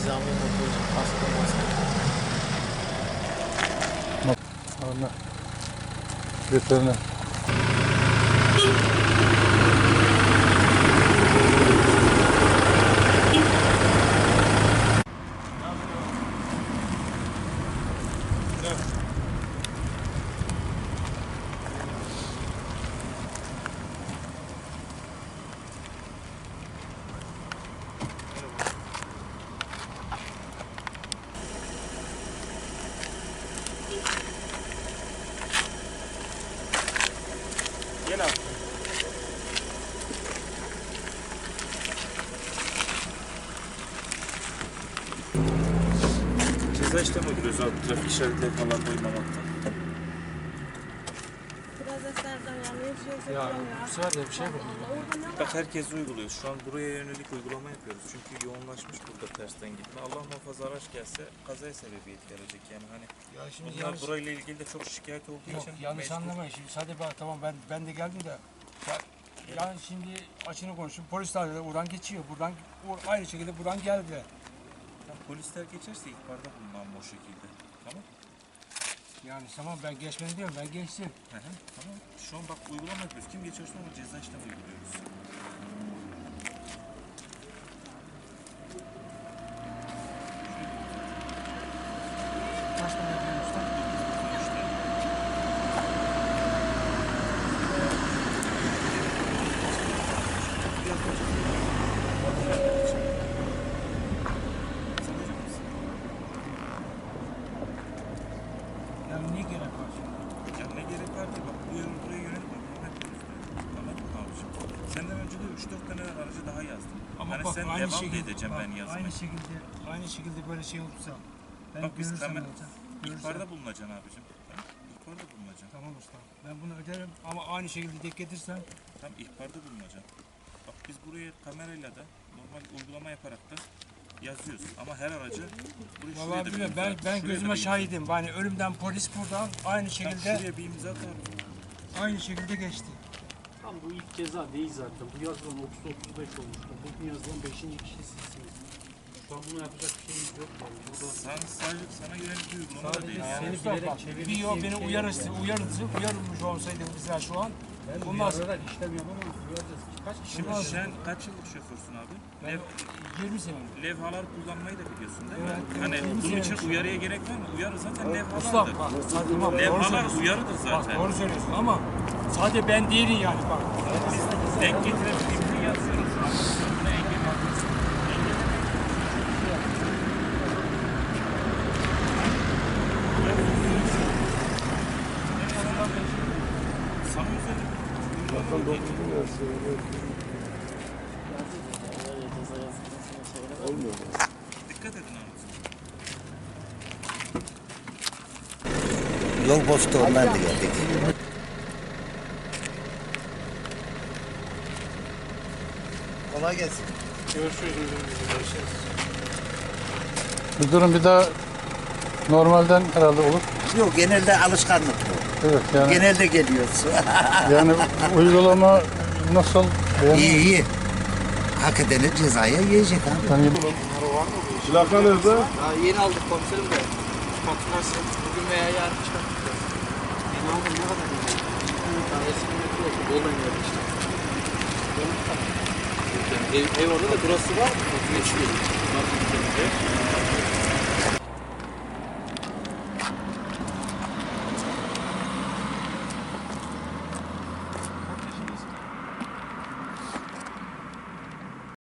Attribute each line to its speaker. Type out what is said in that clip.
Speaker 1: nizami motorcu kaskı maske.
Speaker 2: Anla. Veteriner.
Speaker 1: Gel abi. Ceza işlemi uyguluyoruz abi. Trafik işaretleri falan koymamaktan.
Speaker 3: Biraz eserden yani bir şey
Speaker 1: Ya
Speaker 3: söyleyeyim
Speaker 1: bu sefer de bir şey yapalım.
Speaker 3: Orada ne var?
Speaker 1: Bak herkes uyguluyor. Şu an buraya yönelik uygulama yapıyoruz. Çünkü yoğunlaşmış burada tersten gitme. Allah muhafaza araç gelse kazaya sebebiyet verecek yani hani.
Speaker 4: Ya şimdi
Speaker 1: Bunlar
Speaker 4: yanlış,
Speaker 1: burayla ilgili de çok şikayet olduğu
Speaker 4: yok,
Speaker 1: için
Speaker 4: yanlış anlamayın. Şimdi sadece bak tamam ben de geldim de yani şimdi açını konuştum. Polisler de buradan geçiyor. Buradan aynı şekilde buradan geldi.
Speaker 1: Polisler geçerse ihbarda bulunmam o şekilde. Tamam.
Speaker 4: Yani tamam ben geçmeni diyorum. Ben geçtim.
Speaker 1: Tamam. Şu an bak uygulama yapıyoruz. Kim geçerse ona ceza işlemi uyguluyoruz.
Speaker 4: Kaç tane yapıyorsun usta? Yani niye gerek var şimdi?
Speaker 1: Ya ne gerek var ki bak buraya yönelik uygulama yapıyoruz. Tamam abiciğim. Senden önce de 3-4 tane aracı daha yazdım.
Speaker 4: Ama
Speaker 1: hani
Speaker 4: bak
Speaker 1: sen
Speaker 4: aynı
Speaker 1: devam
Speaker 4: şekilde
Speaker 1: edeceğim
Speaker 4: bak,
Speaker 1: ben yazmaya.
Speaker 4: aynı şekilde böyle şey olursa ben
Speaker 1: Bak biz
Speaker 4: görürsem
Speaker 1: kamer...
Speaker 4: ne olacak?
Speaker 1: İhbarda bulunacaksın abicim. Tamam. İhbarda bulunacaksın.
Speaker 4: Tamam usta. Ben bunu öderim ama aynı şekilde denk getirsem
Speaker 1: Tamam ihbarda bulunacaksın. Bak biz buraya kamerayla da normal uygulama yaparak da yazıyoruz. Ama her aracı buraya şuraya
Speaker 4: vallahi
Speaker 1: da bir
Speaker 4: bilmiyorum.
Speaker 1: imza.
Speaker 4: Ben
Speaker 1: Şuraya da
Speaker 4: gözüme
Speaker 1: bir imza.
Speaker 4: şahidim. Yani ölümden polis buradan aynı
Speaker 1: Bak
Speaker 4: şekilde
Speaker 1: şuraya bir imza at abi.
Speaker 4: aynı şekilde geçti.
Speaker 5: Tam bu ilk ceza değil zaten. Bu yazılan 30-35 olmuştu. Bugün yazılan 5. kişi sizsiniz. Şu an bunu yapacak bir şeyimiz yok yani. Burada
Speaker 1: Sadece sana yönelik bir uygulama da değil.
Speaker 5: seni
Speaker 4: Usta
Speaker 5: bilerek
Speaker 4: bak,
Speaker 5: çevirmek
Speaker 4: bir yol
Speaker 5: diye
Speaker 4: beni
Speaker 5: bir şey
Speaker 4: uyarılmış olsaydı bizler şu an
Speaker 5: ben
Speaker 4: bundan
Speaker 5: uyararak işlem yapamam. Duyacağız. Kaç kişi
Speaker 1: Şimdi
Speaker 5: var?
Speaker 1: sen kaç yıllık şoförsün abi?
Speaker 4: ben 20 sene.
Speaker 1: Levhalar kullanmayı da biliyorsun değil mi?
Speaker 4: Evet,
Speaker 1: Hani
Speaker 4: evet.
Speaker 1: bunun için uyarıya gerek var mı? Uyarı zaten
Speaker 4: Usta
Speaker 1: levhalardır.
Speaker 4: bak tamam doğru
Speaker 1: Levhalar
Speaker 4: söylüyorsun.
Speaker 1: uyarıdır
Speaker 4: Bak
Speaker 1: zaten.
Speaker 4: doğru söylüyorsun ama sadece ben değilim yani bak.
Speaker 1: Biz denk getirebildiğimizi yazıyoruz. Buna engel yapıyoruz. Sana özel dikkat edin abi.
Speaker 6: Yol boşluğundan da geldik. Kolay gelsin.
Speaker 2: Bu durum bir daha normalden herhalde olur.
Speaker 6: Yok genelde alışkanlık bu.
Speaker 2: Evet yani
Speaker 6: Genelde geliyoruz.
Speaker 2: yani uygulama nasıl?
Speaker 6: iyi iyi. Hak edeni cezaya yiyecek abi.
Speaker 2: Yani
Speaker 7: Plaka nerede?
Speaker 8: Daha yeni aldık komiserim de. Faturası bugün veya yarın çıkarttık. Yeni aldım ne kadar yeni? Daha eski metro oldu. Boldan geldi işte. Yani ev orada da burası var. Geçiyor.